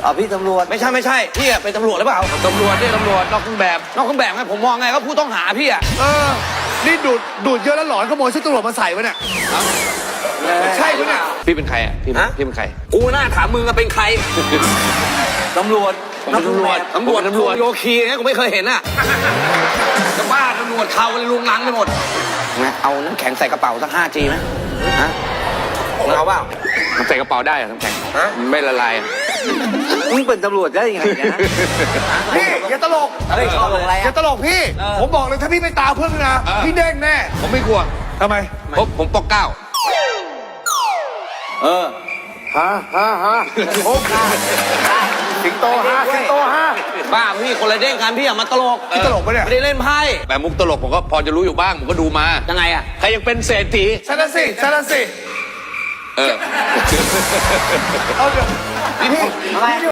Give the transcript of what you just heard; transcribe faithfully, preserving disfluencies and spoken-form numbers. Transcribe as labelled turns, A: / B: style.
A: อ๋อพี่ตำรวจ
B: ไม่ใช่ไม่ใช่พี่อะเป็นตำรวจหรือเปล่า
C: ตำรวจเนี่ยตำรวจนอกเครื่องแบบ
B: นอกเครื่องแบบไงผมมองไงก็ผู้ต้องหาพี่อะ
D: เออ นี่ดูดดูดเยอะแล้วหลอนขโมยชุดตำรวจมาใส่ไว้เนี่ยใช่ปะเนี่ย
C: พี่เป็นใครอ่ะพี่พี่เป็นใคร
B: กูน่าถามมึงอะเป็นใคร
A: ตำรวจ
B: ผมเป็นตำรวจตำรวจตำรวจโยคีเนี่ยกูไม่เคยเห็นอะจะบ้าตำรวจเขาเลยลุงลังไปหมดนะเอาน้ำแข็งใส่กระเป๋าสักห้าจีไหมฮะเอาเปล่า
C: มันใส่กระเป๋าได้เหรอน้ำแข็ง
B: ฮะ
C: มันไม่ละลายอะ
A: มึงเป็นตำรวจได้ยังไงเนี่ย
D: พี่อย่าตลก
A: เฮ้ยชอบอะไร
D: อย่า
A: อ่ะ
D: ตลกพี่ ผมบอกเลยถ้าพี่ไม่ตามเพื่อนนะพี่เด้งแน่
C: ผมไม่กลัว
D: ทำไม
C: ผมผมปอกเก้า
A: เออ
D: ฮะฮะฮะโอ้สิงโตฮะสิงโตฮะ
B: บ้าพี่คนละเด้งกันพี่อย่ามาตลก
D: พี่ตลกปะเนี่ย
B: ไม่ได้เล่นไพ่
C: แต่มุกตลกผมก็พอจะรู้อยู่บ้างผมก็ดูมา
B: ยังไงอะ
C: ใครยังเป็นเศรษฐี
D: ใช่ละสิใช่ละสิ
C: เออ
D: เอาเดี๋ยวพี่
A: ทำไม